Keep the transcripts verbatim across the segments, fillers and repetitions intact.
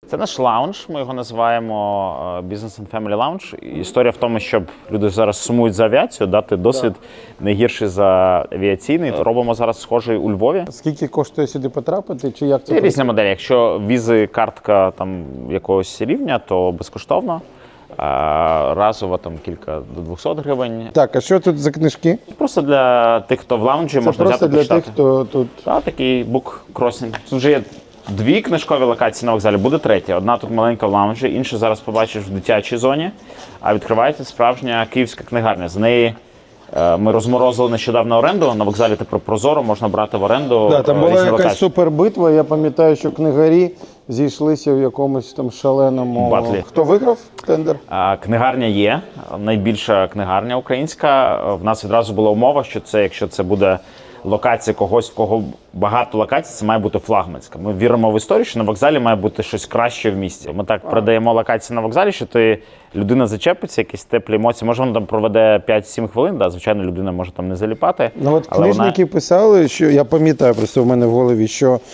Це наш лаунж, ми його називаємо Business and Family Lounge. Історія в тому, щоб люди зараз сумують за авіацію, дати досвід не гірший за авіаційний. Робимо зараз схожий у Львові. Скільки коштує сюди потрапити, чи як це? Це різні моделі. Якщо візи, картка там якогось рівня, то безкоштовно. А разово там кілька до двохсот гривень. Так, а що тут за книжки? Просто для тих, хто в лаунджі, Це можна просто взяти для почитати. тих, хто тут. Так, такий бук-кросінг. Тут вже є дві книжкові локації на вокзалі, буде третя. Одна тут маленька в лаунжі, інша зараз побачиш в дитячій зоні. А відкривається справжня київська книгарня. З неї е, ми розморозили нещодавно оренду. На вокзалі тепер прозоро можна брати в оренду. Да, там е, була різні якась локації. супербитва. Я пам'ятаю, що книгарі зійшлися в якомусь там шаленому. Батлі. Хто виграв тендер? А, Книгарня є, найбільша книгарня українська. В нас відразу була умова, що це, якщо це буде локація когось, в кого багато локацій, це має бути флагманська. Ми віримо в історію, що на вокзалі має бути щось краще в місті. Ми так продаємо локації на вокзалі, що ти людина зачепиться, якісь теплі емоції. Може, вона там проведе п'ять-сім хвилин, да, звичайно, людина може там не заліпати. Ну от але книжники вона... писали, що я пам'ятаю просто в мене в голові, що е,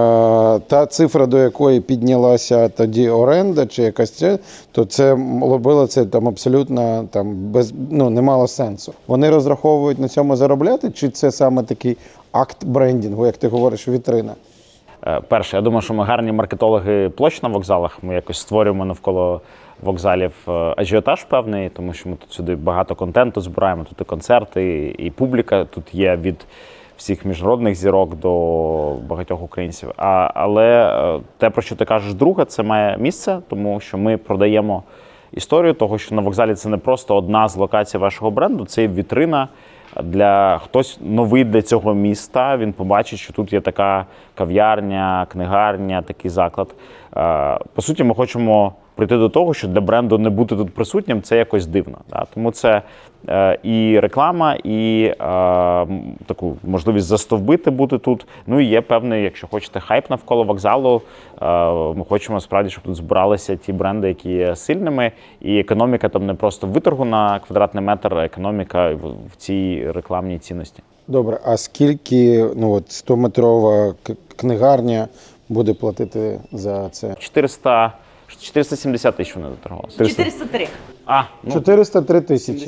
та цифра, до якої піднялася тоді оренда чи якась це, то це робило це там абсолютно там без ну не мало сенсу. Вони розраховують на цьому заробляти, чи це саме такий акт брендінгу, як ти говориш, вітрина? Перше, я думаю, що ми гарні маркетологи площ на вокзалах. Ми якось створюємо навколо вокзалів ажіотаж певний, тому що ми тут сюди багато контенту збираємо. Тут і концерти, і публіка тут є від всіх міжнародних зірок до багатьох українців. А, але те, про що ти кажеш, друге, це має місце, тому що ми продаємо історію того, що на вокзалі це не просто одна з локацій вашого бренду, це вітрина. Для хтось новий для цього міста, він побачить, що тут є така кав'ярня, книгарня, такий заклад. По суті, ми хочемо прийти до того, що для бренду не бути тут присутнім – це якось дивно. Тому це і реклама, і таку можливість застовбити бути тут. Ну і є певний, якщо хочете, хайп навколо вокзалу. Ми хочемо справді, щоб тут збиралися ті бренди, які є сильними. І економіка там не просто виторгу на квадратний метр, а економіка в цій рекламній цінності. Добре, а скільки ну от стометрова книгарня буде платити за це? чотириста, чотириста сімдесят тисяч вони доторгувалися. чотириста три. А, ну, чотириста три тисячі.